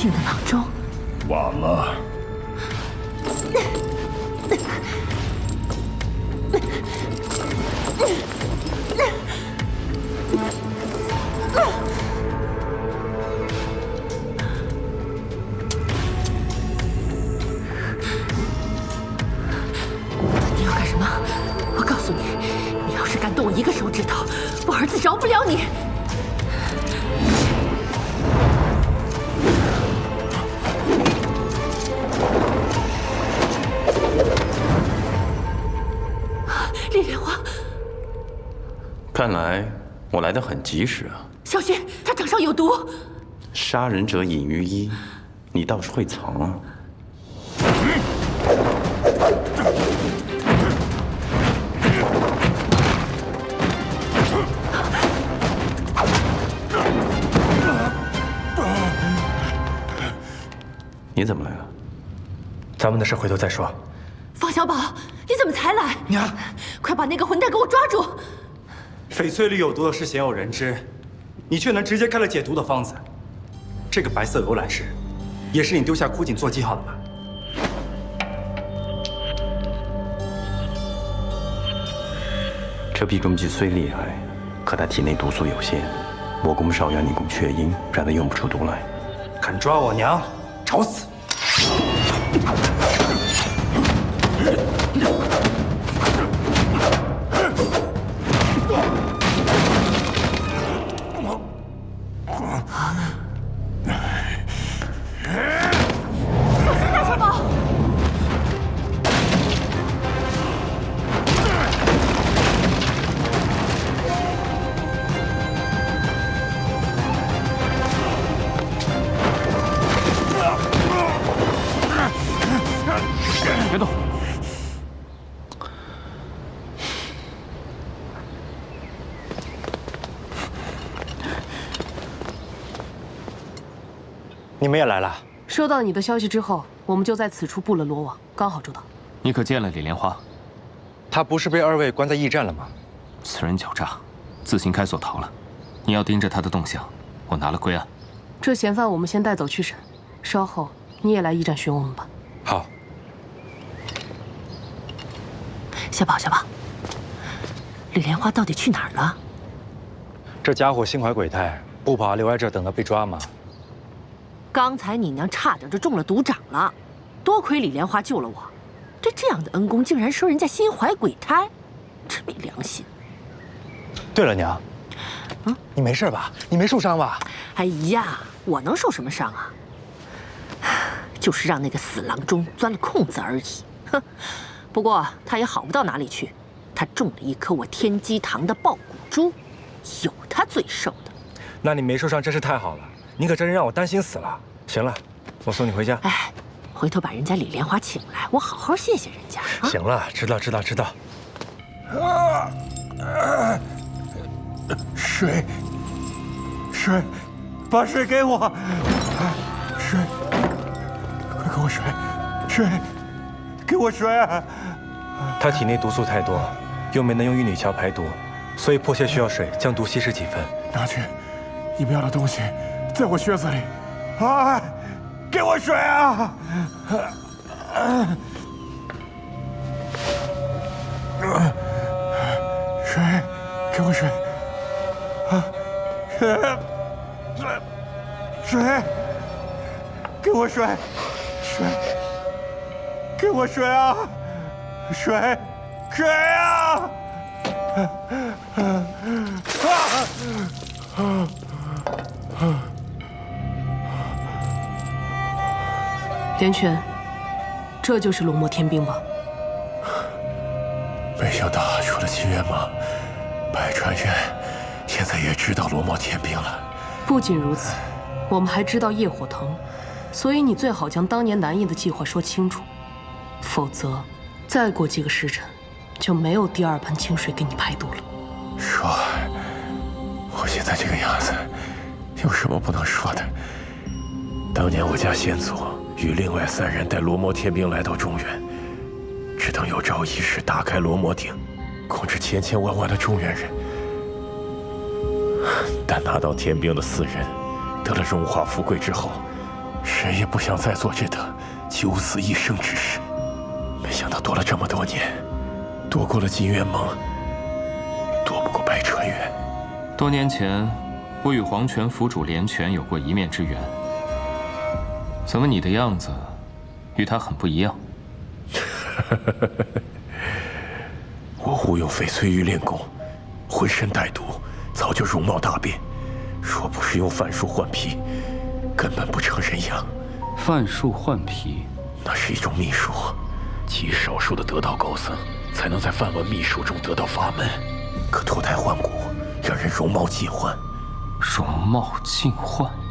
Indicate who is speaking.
Speaker 1: 定的郎中。
Speaker 2: 晚了。
Speaker 1: 你要干什么？我告诉你，你要是敢动我一个手指头，我儿子饶不了你。 李莲花，
Speaker 3: 看来我来得很及时啊！
Speaker 1: 小心，他掌上有毒。
Speaker 3: 杀人者隐于衣，你倒是会藏啊！你怎么来了？
Speaker 4: 咱们的事回头再说。
Speaker 1: 方小宝，你怎么才来？
Speaker 4: 娘，
Speaker 1: 快把那个混蛋给我抓住！
Speaker 4: 翡翠里有毒的事鲜有人知，你却能直接开了解毒的方子。这个白色游览石，也是你丢下枯井做记号的吧？
Speaker 3: 这避中计虽厉害，可他体内毒素有限，我攻少阳，你攻雀阴，让他用不出毒来。
Speaker 4: 敢抓我娘，找死！
Speaker 3: 别动！
Speaker 4: 你们也来了？
Speaker 5: 收到你的消息之后，我们就在此处布了罗网，刚好周到。
Speaker 6: 你可见了李莲花？
Speaker 4: 他不是被二位关在驿站了吗？
Speaker 6: 此人狡诈，自行开锁逃了。你要盯着他的动向，我拿了归案。
Speaker 5: 这嫌犯我们先带走去审，稍后你也来驿站寻我们吧。
Speaker 4: 好。
Speaker 1: 小宝，小宝，李莲花到底去哪儿了？
Speaker 4: 这家伙心怀鬼胎，不怕留在这等他被抓吗？
Speaker 1: 刚才你娘差点就中了毒掌了，多亏李莲花救了我。对这样的恩公，竟然说人家心怀鬼胎，真没良心。
Speaker 4: 对了，娘，你没事吧？你没受伤吧？
Speaker 1: 哎呀，我能受什么伤啊？就是让那个死郎中钻了空子而已。哼。 不过他也好不到哪里去，他中了一颗我天机堂的爆骨珠，有他最受的。
Speaker 4: 那你没受伤真是太好了，你可真是让我担心死了。行了，我送你回家。
Speaker 1: 哎，回头把人家李莲花请来，我好好谢谢人家。啊、
Speaker 4: 行了，知道。水，把水给我，水，快给我水，给我水！他体内毒素太多，又没能用玉女桥排毒，所以迫切需要水将毒稀释几分。
Speaker 2: 拿去，你们要的东西在我靴子里。哎，给我水啊！水，给我水！啊，水，给我水！水。 给我水啊！水啊！
Speaker 5: 连泉，这就是龙墨天兵吧？
Speaker 2: 没想到除了秦元莽，百川院现在也知道罗墨天兵了。
Speaker 5: 不仅如此，我们还知道夜火藤，所以你最好将当年南翼的计划说清楚。 否则，再过几个时辰，就没有第二盆清水给你排毒了。
Speaker 2: 说，我现在这个样子，有什么不能说的？当年我家先祖与另外3人带罗摩天兵来到中原，只等有朝一日打开罗摩鼎，控制千万万的中原人。但拿到天兵的4人，得了荣华富贵之后， 谁也不想再做这等九死一生之事。没想到躲了这么多年，躲过了金元盟，躲不过白川园。
Speaker 6: 多年前，我与黄泉府主连泉有过一面之缘。怎么你的样子与他很不一样？
Speaker 2: 我误用翡翠玉练功，浑身带毒，早就容貌大变。若不是用范术换皮，根本不成人样。
Speaker 7: 范术换皮，
Speaker 2: 那是一种秘术，极少数的得道高僧才能在梵文秘术中得到法门，可脱胎换骨，让人容貌尽换。
Speaker 6: 容貌尽换。